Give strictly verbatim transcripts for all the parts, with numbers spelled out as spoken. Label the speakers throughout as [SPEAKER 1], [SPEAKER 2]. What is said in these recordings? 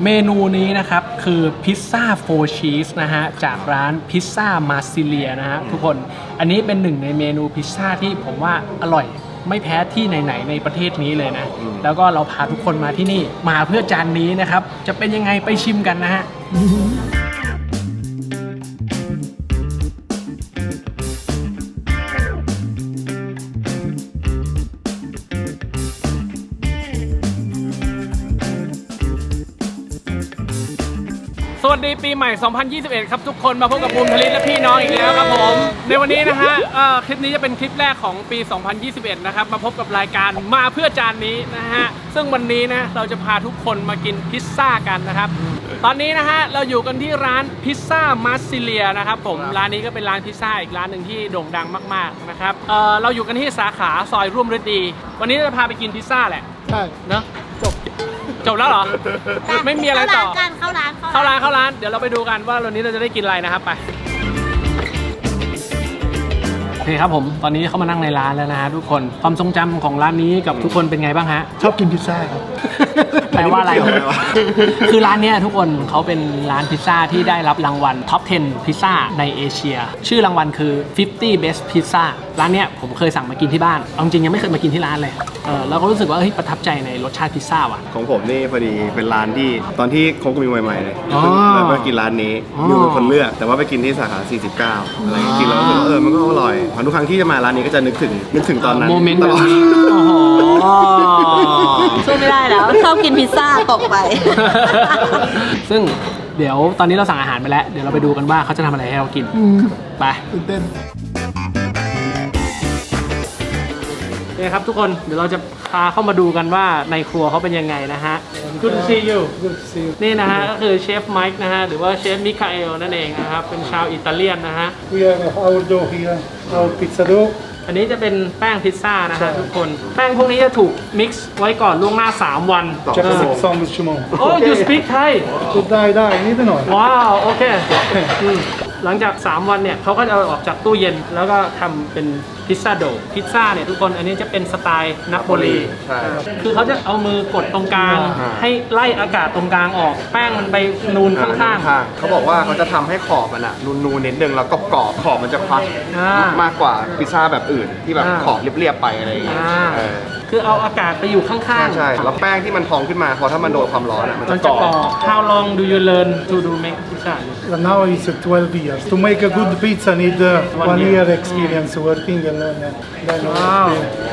[SPEAKER 1] เมนูนี้นะครับคือพิซซ่าโฟร์ชีสนะฮะจากร้านพิซซ่ามาซิเลียนะฮะทุกคนอันนี้เป็นหนึ่งในเมนูพิซซ่าที่ผมว่าอร่อยไม่แพ้ที่ไหนๆในประเทศนี้เลยนะแล้วก็เราพาทุกคนมาที่นี่มาเพื่อจานนี้นะครับจะเป็นยังไงไปชิมกันนะฮะสวัสดีปีใหม่ สองพันยี่สิบเอ็ด ครับทุกคนมาพบกับภูมิธลิตและพี่น้องอีกแล้วครับผมในวันนี้นะฮะคลิปนี้จะเป็นคลิปแรกของปี สองพันยี่สิบเอ็ด นะครับมาพบกับรายการมาเพื่อจานนี้นะฮะซึ่งวันนี้นะเราจะพาทุกคนมากินพิซซ่ากันนะครับตอนนี้นะฮะเราอยู่กันที่ร้านพิซซ่ามาซิเลียนะครับผมร้านนี้ก็เป็นร้านพิซซ่าอีกร้านหนึ่งที่โด่งดังมากๆนะครับเออเราอยู่กันที่สาขาซอยร่วมฤดีวันนี้จะพาไปกินพิซซ่าแหละใช่เนอะจบจบแล้วเหรอไม่มีอะไรต่อเข้าร้านเข้าร้านเข้าร้านเดี๋ยวเราไปดูกันว่าวันนี้เราจะได้กินอะไรนะครับไปโอเคครับผมตอนนี้เข้ามานั่งในร้านแล้วนะฮะทุกคนความทรงจำของร้านนี้กับทุกคนเป็นไงบ้างฮะ
[SPEAKER 2] ชอบกินพิซซ่าครับ
[SPEAKER 1] แปลว่าอะไรคือร้านนี้ทุกคนเขาเป็นร้านพิซซ่าที่ได้รับรางวัลท็อปสิบพิซซ่าในเอเชียชื่อรางวัลคือห้าสิบ Best Pizza ร้านเนี้ยผมเคยสั่งมากินที่บ้านเอาจริงยังไม่เคยมากินที่ร้านเลยเออแล้วก็รู้สึกว่าเฮ้ยประทับใจในรสชาติพิซซ่าว่ะ
[SPEAKER 2] ของผมนี่พอดีเป็นร้านที่ตอนที่คบกันใหม่ๆเลยแล้วก็กินร้านนี้อยู่เป็นคนเลือกแต่ว่าไปกินที่สาขาสี่สิบเก้าอะไรกินแล้วเออมันก็อร่อยทุกครั้งที่จะมาร้านนี้ก็จะนึกถึงนึกถึงตอนนั้น
[SPEAKER 1] โมเมนต์แบบนี้โอ้โห
[SPEAKER 3] ช่วยไม่ได้แล้วชอบกินพิซซ่าตกไป
[SPEAKER 1] ซึ่งเดี๋ยวตอนนี้เราสั่งอาหารไปแล้วเดี๋ยวเราไปดูกันว่าเขาจะทำอะไรให้เรากินไป
[SPEAKER 2] ตื่นเต้น
[SPEAKER 1] โอเคครับทุกคนเดี๋ยวเราจะพาเข้ามาดูกันว่าในครัวเขาเป็นยังไงนะฮะ Good to see you Good to see you นี่นะฮะก็คือเชฟไมค์นะฮะหรือว่าเชฟมิคาเอลนั่นเองนะครับเป็นชาวอิตาเลียนนะฮะ
[SPEAKER 4] We have our dough here our pizza dough
[SPEAKER 1] อันนี้จะเป็นแป้งพิซซ่านะฮะทุกคนแป้งพวกนี้จะถูกมิกซ์ไว้ก่อนล่วงหน้าสามวัน
[SPEAKER 4] จะสิบสองชั่วโมง
[SPEAKER 1] โอ้ you speak Thai
[SPEAKER 4] ได้ได้นิดหน่อย
[SPEAKER 1] ว้าวโอเคหลังจากสามวันเนี่ยเขาก็จะเอาออกจากตู้เย็นแล้วก็ทำเป็นพิซซ่าโดพิซซ่าเนี่ยทุกคนอันนี้จะเป็นสไตล์นาโปลีคือเขาจะเอามือกดตรงกลางให้ไล่อากาศตรงกลางออกแป้งมันไปนูนข้าง
[SPEAKER 2] ๆเขาบอกว่าเขาจะทำให้ขอบมันอะนูนๆนิดนึงแล้วก็กรอบขอบมันจะครัชมากกว่าพิซซ่าแบบอื่นที่แบบขอบเรียบๆไปอะไรอย่างเงี้ย
[SPEAKER 1] คือเอาอากาศไปอยู่ข้าง
[SPEAKER 2] ๆใช่แล้วแป้งที่มันพองขึ้นมาพอถ้ามันโดนความร้อนอะมันจะกรอบ
[SPEAKER 1] How long do you learn to do make pizza
[SPEAKER 4] Now it's twelve years to make a good pizza need one year experience working and learn
[SPEAKER 1] Wow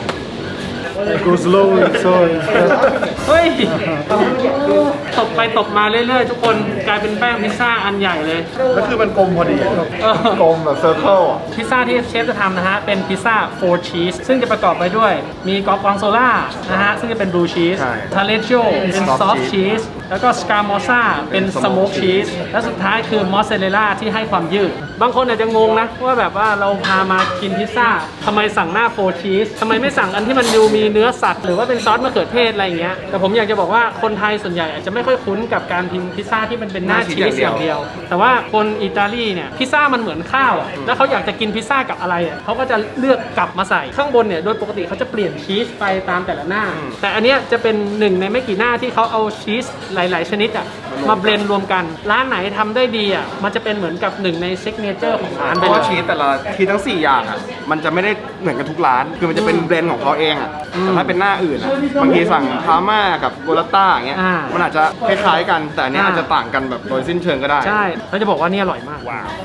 [SPEAKER 4] It goes slowly so
[SPEAKER 1] เฮ้ยตบไปตบมาเรื่อยๆทุกคนกลายเป็นแป้งพิซซ่าอันใหญ่เลย
[SPEAKER 2] แล้วคือมันกลมพอดีกลมแบบเซอร์เคิล
[SPEAKER 1] พิซซ่าที่เชฟจะทำนะฮะเป็นพิซซ่าโฟร์ชีสซึ่งจะประกอบไปด้วยมีกอร์กอนโซล่านะฮะซึ่งจะเป็นบลูชีสทาเลจิโอเป็นซอฟต์ชีสแล้วก็สกาโมซ่าเป็นสโมกชีสและสุดท้ายคือมอสซาเรลล่าที่ให้ความยืดบางคนอาจจะงงนะว่าแบบว่าเราพามากินพิซซ่าทำไมสั่งหน้าโฟร์ชีสทำไมไม่สั่งอันที่มันดูมีเนื้อสัตว์หรือว่าเป็นซอสมะเขือเทศอะไรอย่างเงี้ยแต่ผมอยากจะบอกว่าคนไทยส่วนใหญ่อาจจะไม่ค่อยคุ้นกับการกินพิซซ่าที่มันเป็นหน้าชีสอย่างเดียวแต่ว่าคนอิตาลีเนี่ยพิซซ่ามันเหมือนข้าวอ่ะแล้วเขาอยากจะกินพิซซ่ากับอะไรอ่ะเขาก็จะเลือกกลับมาใส่ข้างบนเนี่ยโดยปกติเขาจะเปลี่ยนชีสไปตามแต่ละหน้าแต่อันเนี้ยจะเป็นหนึ่งในไม่กี่หน้าที่เขาเอาชีสหลายๆชนิดอ่ะมาเบลนด์รวมกันร้านไหนทำได้ดีอ่ะมันจะเป็นเหมือนกับหนึ่งในซิกเนเจอร์ของร้าน
[SPEAKER 2] เพราะว่าชีสแต่ละชีสทั้งสี่อย่างอ่ะมันจะไม่ได้เหมือนกันทุกร้านคือมันจะเป็นเบลนด์ของเขาเองอ่ะแต่ถ้าเป็นหน้าอื่นอ่ะบางทีสั่งพาม่ากับโกลาต้าอย่างเงี้ยมันอาจจะคล้ายๆกันแต่อันนี้อาจจะต่างกันแบบโดยสิ้นเชิงก็ได้
[SPEAKER 1] ใช่เราจะบอกว่านี่อร่อยมากว้าว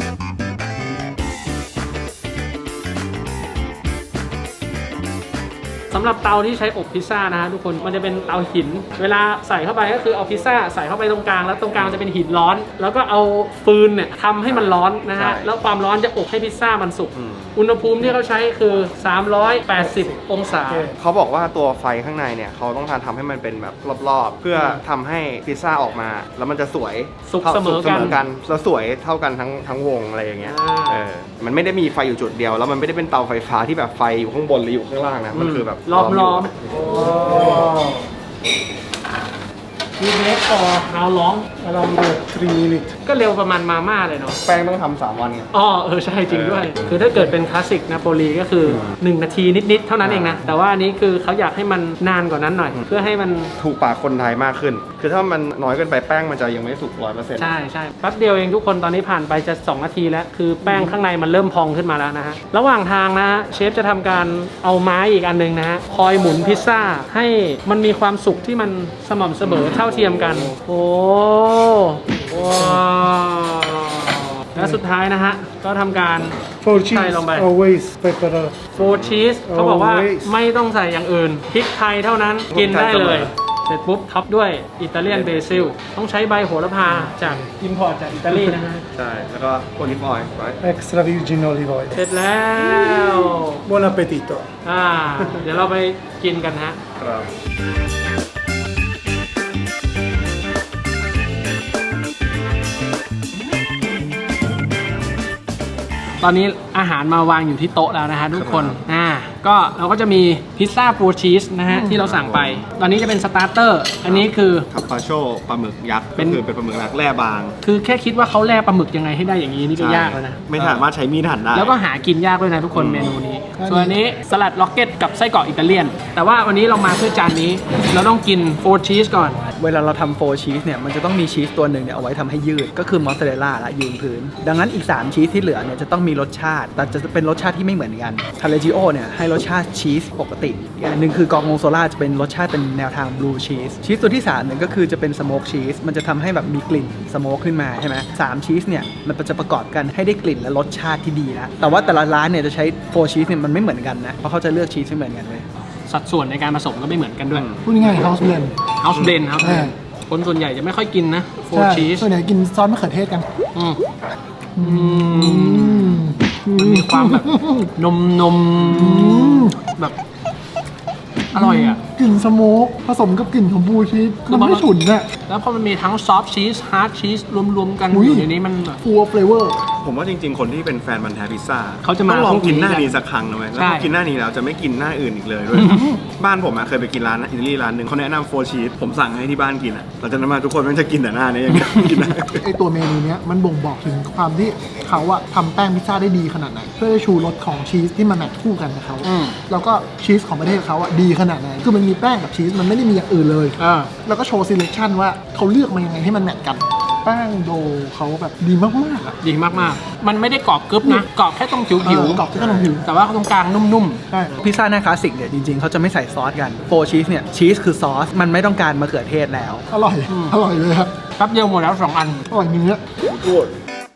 [SPEAKER 1] สำหรับเตาที่ใช้อบพิซซ่านะฮะทุกคนมันจะเป็นเตาหินเวลาใส่เข้าไปก็คือเอาพิซซ่าใส่เข้าไปตรงกลางแล้วตรงกลางจะเป็นหินร้อนแล้วก็เอาฟืนเนี่ยทำให้มันร้อนนะฮะแล้วความร้อนจะอบให้พิซซ่ามันสุกอุณหภูมิที่เขาใช้คือสามร้อยแปดสิบองศา
[SPEAKER 2] เขาบอกว่าตัวไฟข้างในเนี่ยเขาต้องการทำให้มันเป็นแบบรอบๆเพื่อทำให้พิซซ่าออกมาแล้วมันจะสวย
[SPEAKER 1] สุกเสมอกัน
[SPEAKER 2] แล้วสวยเท่ากันทั้งทั้งวงอะไรอย่างเงี้ยเออมันไม่ได้มีไฟอยู่จุดเดียวแล้วมันไม่ได้เป็นเตาไฟฟ้าที่แบบไฟอยู่ข้างบนหรืออยู่ข้างล่างนะมันคือแบบ
[SPEAKER 1] ล้อมๆ You make for how long
[SPEAKER 4] around three minutes
[SPEAKER 1] ก็เร็วประมาณมาม่าเลยเนาะ
[SPEAKER 2] แป้งต้องทำสามวันไง
[SPEAKER 1] อ๋อเออใช่จริงด้วยคือถ้าเกิดเป็นคลาสสิกนาโปลีก็คือหนึ่งนาทีนิดๆเท่านั้นเองนะแต่ว่าอันนี้คือเขาอยากให้มันนานกว่านั้นหน่อยเพื่อให้มัน
[SPEAKER 2] ถูกปากคนไทยมากขึ้นคือถ้ามันน้อยเกินไปแป้งมันจะยังไม่สุกร้อยเปอร์เซ็นต์
[SPEAKER 1] ใช่ใช่แป๊บเดียวเองทุกคนตอนนี้ผ่านไปจะสองนาทีแล้วคือแป้งข้างในมันเริ่มพองขึ้นมาแล้วนะฮะระหว่างทางนะฮะเชฟจะทำการเอาไม้อีกอันหนึงนะฮะคอยหมุนพิซซ่าให้มันมีความสุกที่มันสม่ำเสมอเท่าเทียมกันโอ้ว้าวและสุดท้ายนะฮะก็ทำการ
[SPEAKER 4] For
[SPEAKER 1] ใส่
[SPEAKER 4] cheese,
[SPEAKER 1] ลงไป
[SPEAKER 4] always pepper.
[SPEAKER 1] โฟร์ชีสเขาบอกว่าไม่ต้องใส่อย่างอื่นพริกไทยเท่านั้นกินได้เลย เสร็จปุ๊บท็อปด้วยอิตาเลียนเบซิลต้องใช้ใบโหระพาจากอิมพอร์ตจากอิตาลีนะฮะ
[SPEAKER 2] ใช่แล้วก็โอลิฟออยล์ไว้
[SPEAKER 4] Extra virgin olive oil.
[SPEAKER 1] เสร็จแล้ว
[SPEAKER 4] Buon appetito.
[SPEAKER 1] อ่าเดี๋ยวเราไปกินกันฮะ
[SPEAKER 2] ครับ
[SPEAKER 1] ตอนนี้อาหารมาวางอยู่ที่โต๊ะแล้วนะฮะทุกคนอ่าก็เราก็จะมีพิซซ่าโฟร์ชีสนะฮะที่เราสั่งไป ตอนนี้จะเป็นสตาร์เตอร์อันนี้คือ
[SPEAKER 2] ทับปาโชปลาหมึกยักษ์
[SPEAKER 1] เป็
[SPEAKER 2] ก็
[SPEAKER 1] น
[SPEAKER 2] คือเป็นปลาหมึกยักษ์แร่บาง
[SPEAKER 1] คือแค่คิดว่าเขาแล่ปลาหมึกยังไงให้ได้อย่างนี้นี่ก็ยากแล้วนะ
[SPEAKER 2] ไม่สามารถใช้มีดหั่นได้
[SPEAKER 1] แล้วก็หากินยากด้วยนะทุกคนเมนูนี้ ส่วนอันนี้สลัดล็อกเก็ตกับไส้กรอกอิตาเลียน แต่ว่าวันนี้เรามาเพื่อจานนี้ เราต้องกินโฟร์ชีสก่อน
[SPEAKER 5] เวลาเราทำโฟร์ชีสเนี่ยมันจะต้องมีชีสตัวหนึ่งเนี่ยเอาไว้ทำให้ยืดก็คือมอสซาเรลล่าละยืนพื้น ดังนั้นอีก สาม ชีสที่เหลือเนี่ยจะต้องมีรสชาติ แต่จะเป็นรสชาติที่ไม่เหมือนกันทาเลจิโอเนี่ยให้รสชาติชีสปกติอีกอันหนึ่งคือกอร์กงโซล่าจะเป็นรสชาติเป็นแนวทางบลูชีสชีสตัวที่สามเนี่ยก็คือจะเป็นสโมกชีสมันจะทำให้แบบมีกลิ่นสโมกขึ้นมาใช่ไหมสามชีสเนี่ยมันจะประกอบกันให้ได้กลิ่นและรสชาติที่ดีนะแต่ว่าแต่ละร้านเนี่ยจะใช้โฟร์ชีสเนี่ยมันไม่เหมือนกันนะเพราะเขาจะเลือกชีสไม่เหมือนกันเลย
[SPEAKER 1] สัดส่วนในการผสมก็ไม่เหมือนกันด้วย
[SPEAKER 6] พูดง่ายๆ house blend
[SPEAKER 1] House Blend ครับ
[SPEAKER 6] เออ
[SPEAKER 1] คนส่วนใหญ่จะไม่ค่อยกินนะโฟ
[SPEAKER 6] ใช่
[SPEAKER 1] ร์ชีส
[SPEAKER 6] ส่วนใหญ่กินซอสมะเขือเทศกัน
[SPEAKER 1] อืมอืมมันมีความแบบนมนมแบบอร่อยอ่ะ
[SPEAKER 6] กลิ่นสโมกผสมกับกลิ่นของบลูชีส
[SPEAKER 1] คือ
[SPEAKER 6] มัน
[SPEAKER 1] มัน
[SPEAKER 6] ไม่ฉุนอะ
[SPEAKER 1] แล้วพอมันมีทั้งซอฟต์ชีสฮาร์ดชีสรวมๆกัน
[SPEAKER 6] อุ๊ย
[SPEAKER 1] อยู่ในนี้มันแบบ
[SPEAKER 6] ฟูลเฟลเวอร์
[SPEAKER 2] ผมว่าจริงๆ คนที่เป็นแฟนมันธุ์แท้พิซซ่า
[SPEAKER 1] เขาจะมา
[SPEAKER 2] ต้องลองกินหน้า
[SPEAKER 1] พวกนี้
[SPEAKER 2] นี้สักครั้งนะเว้ยแล้ว
[SPEAKER 1] ใช่
[SPEAKER 2] พอกินหน้านี้แล้วจะไม่กินหน้าอื่นอีกเลยด้วย บ้านผมอะเคยไปกินร้านอิตาลีร้านหนึ่งเขาแนะนำโฟร์ชีสผมสั่งให้ที่บ้านกินอะหลังจากนั้นมาทุกคนมันจะกินแต่หน้านี้อย่างเงี้ยกินหน้า
[SPEAKER 6] ไอตัวเมนูเนี้ยมันบ่งบอกถึงความที่เขาอะทำแป้งพิซซ่าได้ดีขนาดไหนเพื่อจะชูรสของชีสที่มันแมทคู่กันกับเขา
[SPEAKER 1] อืม
[SPEAKER 6] แล้วก็ชีสของประเทศเขาอะดีขนาดไหนคือมันมีแป้งกับชีสมันไม่ได้มีอย่างอื่นเลย
[SPEAKER 1] อ่า
[SPEAKER 6] แล้วก็โชว์ซีเลคชั่นว่าเขาเลือกมายังไงให้มันแมทกันแป้งโดเขาแบบดีมากๆอะ
[SPEAKER 1] ดีมากๆ มันไม่ได้กรอบกรึบนะ กรอบแค่ตรงผิว
[SPEAKER 6] เอ
[SPEAKER 1] ผิว
[SPEAKER 6] อกรอบที่ขนมผิว
[SPEAKER 1] แต่ว่าตรงกลางนุ่ม
[SPEAKER 6] ใช่
[SPEAKER 5] พิซซ่าหน้าคลาสสิกเนี่ยจริงๆเขาจะไม่ใส่ซอสกันโฟร์ชีสเนี่ยชีสคือซอสมันไม่ต้องการมะเขือเทศแล้ว
[SPEAKER 6] อร่อยอร่อยเลยครับ
[SPEAKER 1] ๆแป๊บเดียวหมดแล้วสองอัน
[SPEAKER 6] อร่อยเนื้อ
[SPEAKER 2] พูด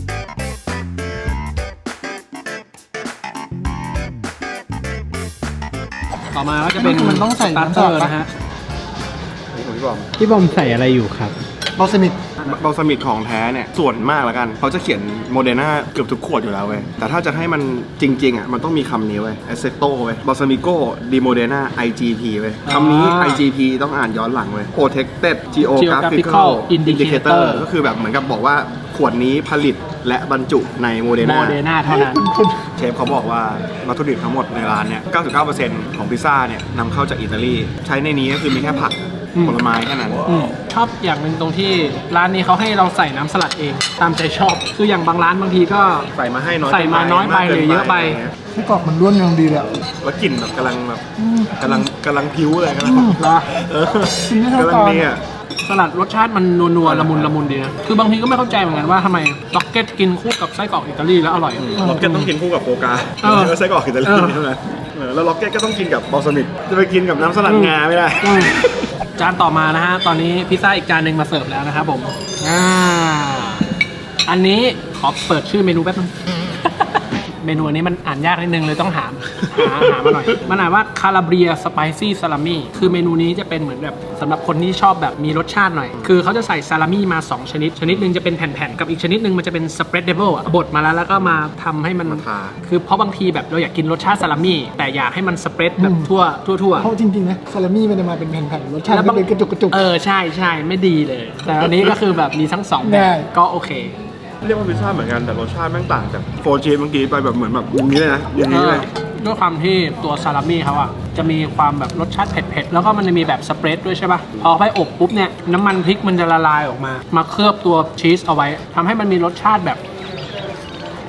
[SPEAKER 1] ต่อมาก็จะเป็น
[SPEAKER 6] มันต้องใส่
[SPEAKER 1] สตาร์
[SPEAKER 6] น้ำ
[SPEAKER 1] เต
[SPEAKER 6] ส
[SPEAKER 1] อ
[SPEAKER 6] ลัด
[SPEAKER 1] ร์
[SPEAKER 6] ปะ
[SPEAKER 1] นะฮะ
[SPEAKER 2] นี่ผมพี่บอม
[SPEAKER 7] พี่บอมใส่อะไรอยู่ครับ
[SPEAKER 6] บอลซามิก
[SPEAKER 2] บอลซามิกของแท้เนี่ยส่วนมากแล้วกันเขาจะเขียนโมเดอร์นาเกือบทุกขวดอยู่แล้วเว้ยแต่ถ้าจะให้มันจริงๆอ่ะมันต้องมีคำนี้เว้ย a s s e t t o เว้ย Balsamico di Modena ไอ จี พี เว้ยคำนี้
[SPEAKER 1] อ่า
[SPEAKER 2] ไอ จี พี ต้องอ่านย้อนหลังเว้ย Protected
[SPEAKER 1] Geographical
[SPEAKER 2] Geographical
[SPEAKER 1] Indicator
[SPEAKER 2] ก็คือแบบเหมือนกับบอกว่าขวดนี้ผลิตและบรรจุในโมเดอร์
[SPEAKER 1] โม
[SPEAKER 2] นา
[SPEAKER 1] เดนาเท่านั้น
[SPEAKER 2] เชฟเขาบอกว่าวัตถุดิบทั้งหมดในร้านเนี่ย เก้าสิบเก้าเปอร์เซ็นต์ ของพิซซ่าเนี่ยนำเข้าจากอิตาลี ใช้ในนี้ก็คือมีแค่ผัก
[SPEAKER 1] อืม
[SPEAKER 2] ผลไม้แค่นั้น
[SPEAKER 1] อืมชอบอย่างหนึ่งตรงที่ร้านนี้เขาให้เราใส่น้ำสลัดเอง ตามใจชอบ คืออย่างบางร้านบางทีก็
[SPEAKER 2] ใส่มาให้น้อย
[SPEAKER 1] ใส่มาน้อยไปหรือเยอะไป
[SPEAKER 2] งี้
[SPEAKER 6] ไส้กรอกมันร่วนกำลังดีเลยอะ
[SPEAKER 2] แล้วกลิ่นแบบกำลังแบบกำลังกำลังพิ้วเลยกำลัง
[SPEAKER 1] เหรอ
[SPEAKER 2] เออ
[SPEAKER 6] กินไม่เท่าก
[SPEAKER 2] ำลัง
[SPEAKER 6] ตอน
[SPEAKER 2] ดีอ่ะ
[SPEAKER 1] สลัดรสชาติมันนัวๆละมุนละมุนดีนะ คือบางทีก็ไม่เข้าใจเหมือนกันว่าทำไมล็อกเก็ตกินคู่กับไส้กรอกอิตาลีแล้วอร่อย
[SPEAKER 2] ล็อกเก็ตต้องกินคู่กับโฟกา
[SPEAKER 1] เออ
[SPEAKER 2] แล้วไส้กรอกอิตาลี
[SPEAKER 1] เออ
[SPEAKER 2] ใช่ไหมเออแล้วล็อกเก็ตก็ต้องกินกับบอลซามิกจะไปกินกับน้ำสลัดงาไม่ได้
[SPEAKER 1] อืมจานต่อมานะฮะ ตอนนี้พิซซ่าอีกจานหนึ่งมาเสิร์ฟแล้วนะครับผม อ่า อันนี้ขอเปิดชื่อเมนูแป๊บนึง เมนูอันนี้มันอ่านยากนิดนึงเลยต้องหาหาหามาหน่อย มันอ่านว่าคาราเบียสไปซี่ซาลามี่คือเมนูนี้จะเป็นเหมือนแบบสำหรับคนที่ชอบแบบมีรสชาติหน่อย คือเขาจะใส่ซาลามี่มาสองชนิด ชนิดหนึ่งจะเป็นแผ่นๆ กับอีกชนิดหนึ่งมันจะเป็นสเปรดเดเบิลบดมาแล้วแล้วก็มาทำให้มัน
[SPEAKER 2] มาทา
[SPEAKER 1] คือเพราะบางทีแบบเราอยากกินรสชาติซาลามี่แต่อยากให้มันสเปรดแบบทั่วทั่วทั่ว
[SPEAKER 6] เพราะจริงๆนะซาลามี่มันจะมาเป็นแผ่นๆรสชาติ
[SPEAKER 1] แล้ว
[SPEAKER 6] ก็
[SPEAKER 1] บาง
[SPEAKER 6] เป็นกระจุกกระจุก
[SPEAKER 1] เออใช่ใช่ไม่ดีเลย แต่อันนี้ก็คือแบบมีทั้งสองแบ
[SPEAKER 6] ได้
[SPEAKER 1] บก็โอเค
[SPEAKER 2] เรียกว่าพิซซ่าเหมือนกันแต่รสชาติแม่งต่างจากโฟร์ชีสเมื่อกี้ไปแบบเหมือนแบบอย่างนี้เลยนะอย่างนี้เลย
[SPEAKER 1] ด้วยความที่ตัวซาลามี่เขาอะจะมีความแบบรสชาติเผ็ดๆ แล้วก็มันจะมีแบบสเปรดด้วยใช่ป่ะ พอไปอบปุ๊บเนี่ยน้ำมันพริกมันจะละลายออกมา มาเคลือบตัวชีสเอาไว้ทำให้มันมีรสชาติแบบ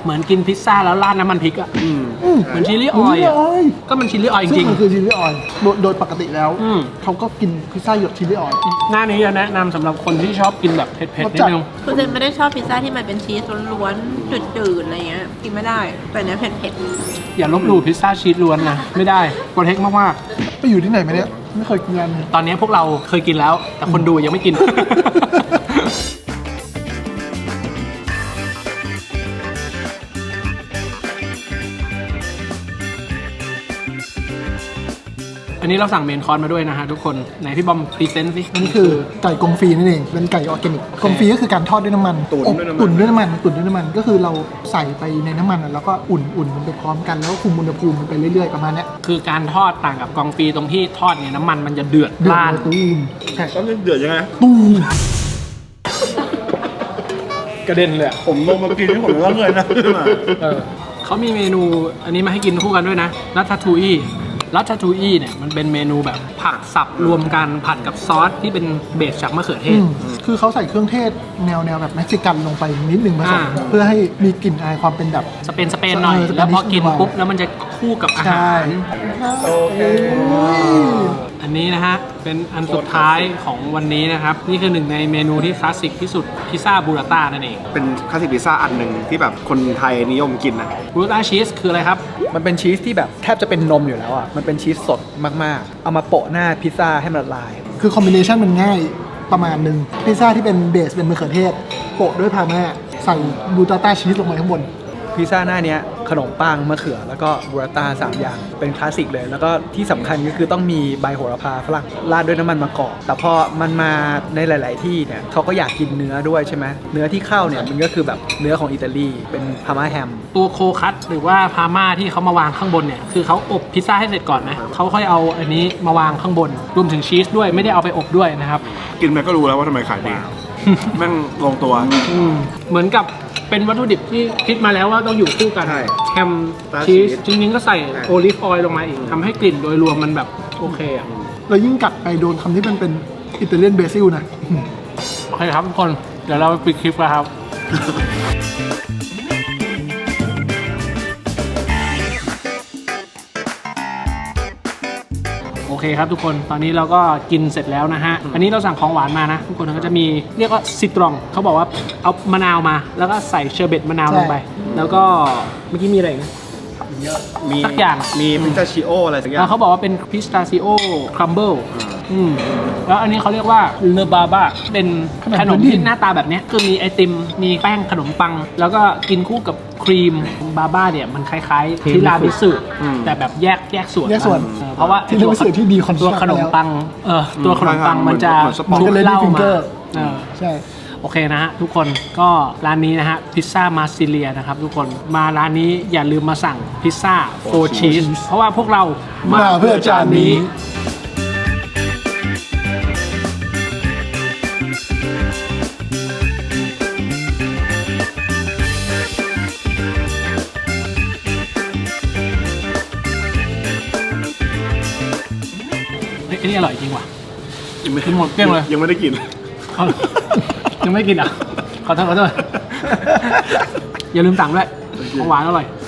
[SPEAKER 1] เหมือนกินพิซซ่าแล้วราดน้ำมันพริกอะ
[SPEAKER 2] อืม
[SPEAKER 1] เหมือนชิลลี่ออยล์อะ
[SPEAKER 6] ออย
[SPEAKER 1] ก็มันชิลลี่ออยล์จ
[SPEAKER 6] ซึ่
[SPEAKER 1] ริ
[SPEAKER 6] ง
[SPEAKER 1] ง
[SPEAKER 6] มันคือชิลลี่ออยล์โดยโดยปกติแล้ว
[SPEAKER 1] อืม
[SPEAKER 6] เขาก็กินพิซซ่าหยดชิลลี่ออยล์
[SPEAKER 1] ๆหน้านี้จะแนะนำสำหรับคนที่ชอบกินแบบเผ็ดๆนิดนึง
[SPEAKER 3] คือเจนไม่ได้ชอบพิซซ่าที่มันเป็นชีสล้วนๆจืดๆอะไรเงี้ยกินไม่ได้แต่เนี้ยเผ็ด
[SPEAKER 1] อย่าลบหลู่พิซซ่าชีสล้วนนะ ไม่ได้โปรเทคมาก
[SPEAKER 6] ไปอยู่ที่ไหนมาเนี่ยไม่เคยกินร้านนี้
[SPEAKER 1] ๆ ตอนนี้พวกเราเคยกินแล้ว แต่คนดูยังไม่กิน อันนี้เราสั่งเมนคอร์สมาด้วยนะฮะทุกคนไหนพี่บอมพรีเซนต์สิ
[SPEAKER 6] นี่คือไก่กงฟรีนั่นเองเป็นไก่ออร์แกนิกกงฟรีก็คือการทอดด้วยน้ำมัน
[SPEAKER 2] ตุ๋น
[SPEAKER 6] อบ
[SPEAKER 2] ด้วยน้ำมัน
[SPEAKER 6] ตุ๋นด้วยน้ำมันตุ๋นด้วยน้ำมันก็คือเราใส่ไปในน้ำมันอะแล้วก็อุ่นอุ่นมันไปพร้อมกันแล้วก็คุมอุณหภูมิมันไปเรื่อยๆประมาณเนี้ย
[SPEAKER 1] คือการทอดต่างกับกองฟรีตรงที่ทอดเนี่ยน้ำมันมันจะเดือด
[SPEAKER 6] เดือด
[SPEAKER 1] ร่าน
[SPEAKER 6] เลยตูมใช่
[SPEAKER 2] ต้องเดือดยังไง
[SPEAKER 6] ตูม
[SPEAKER 1] กระเด็นเลย
[SPEAKER 2] ผมลงมากินที่ผมก็เลยนะ
[SPEAKER 1] เออเขามีเมนูอันนี้มาให้กินคู่กันด้วยนะรัตทูอี้รัตทูอี้เนี่ยมันเป็นเมนูแบบผักสับรวมกันผัดกับซอสที่เป็นเบสจากมะเขือเท
[SPEAKER 6] อื
[SPEAKER 1] ศ
[SPEAKER 6] มคือเขาใส่เครื่องเทศแนวแนวแบบเม็กซิกันลงไปนิดนึงผสม
[SPEAKER 1] อ่า
[SPEAKER 6] เพื่อให้มีกลิ่นอายความเป็นแบบ
[SPEAKER 1] สเปนสเปนหน่อย
[SPEAKER 6] เออสเปน
[SPEAKER 1] แล้วพอกิน
[SPEAKER 6] นิดหน่อย
[SPEAKER 1] ปุ๊บแล้วมันจะคู่กับอาหาร
[SPEAKER 6] โอเค
[SPEAKER 1] อันนี้นะฮะเป็นอันสุดท้ายของวันนี้นะครับนี่คือหนึ่งในเมนูที่คลาสสิกที่สุดพิซซ่าบูราต้านั่นเอง
[SPEAKER 2] เป็นคลาสสิกพิซซ่าอันหนึ่งที่แบบคนไทยนิยมกินนะ
[SPEAKER 1] บูราต้าชีสคืออะไรครับ
[SPEAKER 5] มันเป็นชีสที่แบบแทบจะเป็นนมอยู่แล้วอ่ะ มันเป็นชีสสดมากๆ เอามาโปะหน้าพิซซ่าให้มันละลาย
[SPEAKER 6] คือคอมบิเนชันมันง่ายประมาณหนึ่งพิซซ่าที่เป็นเบสเป็นมะเขือเทศ โปะด้วยพาร์มาใส่บูตาต้าชีสลงไปข้างบน
[SPEAKER 5] พิซซ่าหน้าเนี้ยขนมปังมะเขือแล้วก็บูราต้าสามอย่างเป็นคลาสสิกเลย แล้วก็ที่สำคัญก็คือต้องมีใบโหระพาฝรั่งราดด้วยน้ำมันมะกอกแต่พอมันมาในหลาย ๆ ที่เนี่ยเขาก็อยากกินเนื้อด้วยใช่ไหมเนื้อที่เข้าเนี่ยมันก็คือแบบเนื้อของอิตาลีเป็นพาร์มาแฮม
[SPEAKER 1] ตัวโคคัตหรือว่าพาม่าที่เขามาวางข้างบนเนี่ยคือเขาอบพิซซ่าให้เสร็จก่อนนะเขาค่อยเอาอันนี้มาวางข้างบนรวมถึงชีสด้วยไม่ได้เอาไปอบด้วยนะครับ
[SPEAKER 2] กินไปก็รู้แล้วว่าทำไมขายดีแม่งลงตัว
[SPEAKER 1] อืมเหมือนกับเป็นวัตถุดิบที่คิดมาแล้วว่าต้องอยู่คู่กัน
[SPEAKER 2] ใช่
[SPEAKER 1] แฮม
[SPEAKER 2] ตา
[SPEAKER 1] ชีส
[SPEAKER 2] ชีส
[SPEAKER 1] จริงๆก็ใส่โอลิฟออยล์ลงมาอีกทำให้กลิ่นโดยรวมมันแบบโอเคอ่ะ
[SPEAKER 6] แล้วยิ่งกัดไปโดนคำที่มันเป็นอิตาเลียนเบซิลนะ
[SPEAKER 1] โอเคครับทุกคนเดี๋ยวเราไปปิดคลิปกันครับ โอเคครับทุกคนตอนนี้เราก็กินเสร็จแล้วนะฮะ อันนี้เราสั่งของหวานมานะ ทุกคนก็จะมีเรียกว่าซิตรองเขาบอกว่าเอามะนาวมา แล้วก็ใส่เชอร์เบตมะนาวลงไป แล้วก็เมื่อกี้มีอะไรอีกนะ
[SPEAKER 2] มี
[SPEAKER 1] สักอย่าง
[SPEAKER 2] มีพิซซ่าชิโออะไรสักอย่า
[SPEAKER 1] แล้ว
[SPEAKER 2] ง
[SPEAKER 1] เขาบอกว่าเป็นพิสตาซิโอครัมเบิลอืมแล้วอันนี้เขาเรียกว่าเลบาบาเป็นขนมที่หน้าตาแบบเนี้ยคือมีไอติมมีแป้งขนมปัง แล้วก็กินคู่กับครีมบาบ้าเนี่ยมันคล้ายๆทิรามิสุแต่แบบแยกแยกส่วน
[SPEAKER 6] แยกส่วน
[SPEAKER 1] เออเพราะว่าไอ้
[SPEAKER 6] ที่เรียกว่าสื่อที่ดีคอน
[SPEAKER 1] ตัวขนมปังเออตัวขนมปังมันจะ
[SPEAKER 6] มัน
[SPEAKER 1] ชุ
[SPEAKER 6] ก็
[SPEAKER 1] บ
[SPEAKER 6] เลย
[SPEAKER 1] เหล้า
[SPEAKER 6] ฟิง
[SPEAKER 1] มา
[SPEAKER 6] เกอร์
[SPEAKER 1] เออ
[SPEAKER 6] ใช่
[SPEAKER 1] โอเคนะฮะทุกคนก็ร้านนี้นะฮะพิซซ่ามาซิเลียนะครับทุกคนมาร้านนี้อย่าลืมมาสั่งพิซซ่าโฟร์ชีสเพราะว่าพวกเรามา
[SPEAKER 6] มาเพื่อจานนี้
[SPEAKER 1] เฮ้ยอันนี้อร่อยจริงว่ะ
[SPEAKER 2] ยังไม่
[SPEAKER 1] กินหมดเกลี้ยงเลย
[SPEAKER 2] ยังไม่ได้กิน
[SPEAKER 1] เอายังไม่กินอ่ะ ขอโทษขอโทษ อย่าลืมสั่งด้วยของหวานอร่อย